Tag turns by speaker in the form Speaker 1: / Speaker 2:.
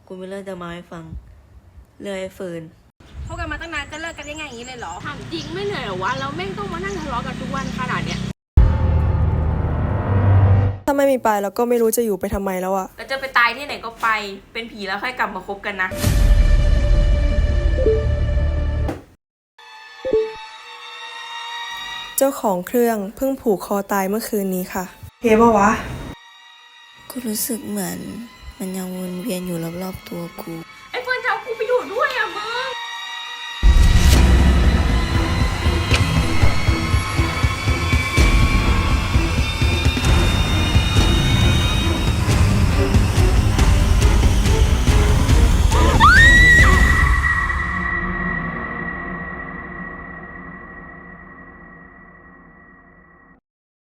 Speaker 1: กูมีเรื่องจะมาให้ฟังเรื่องไอ้เฟิร์น
Speaker 2: คบกันมาตั้งนานจะเลิกกันได้ไงอย่างนี้เลยเหรอ
Speaker 3: ถามจริงไม่เหนื่อยเหรอวะแล้วแม่งต้องมานั่งทะเลาะกันทุกวันขนาดเนี้ย
Speaker 4: ถ้าไม่มีปายแล้วก็ไม่รู้จะอยู่ไปทำไมแล้วอะ
Speaker 1: แล้วจะไปตายที่ไหนก็ไปเป็นผีแล้วค่อยกลับมาคบกันนะ
Speaker 4: เจ้าของเครื่องเพิ่งผูกคอตายเมื่อคืนนี้ค่ะเฮ้ปะวะ
Speaker 1: กูรู้สึกเหมือนมันยังวนเวียนอยู่รอบๆตัวกู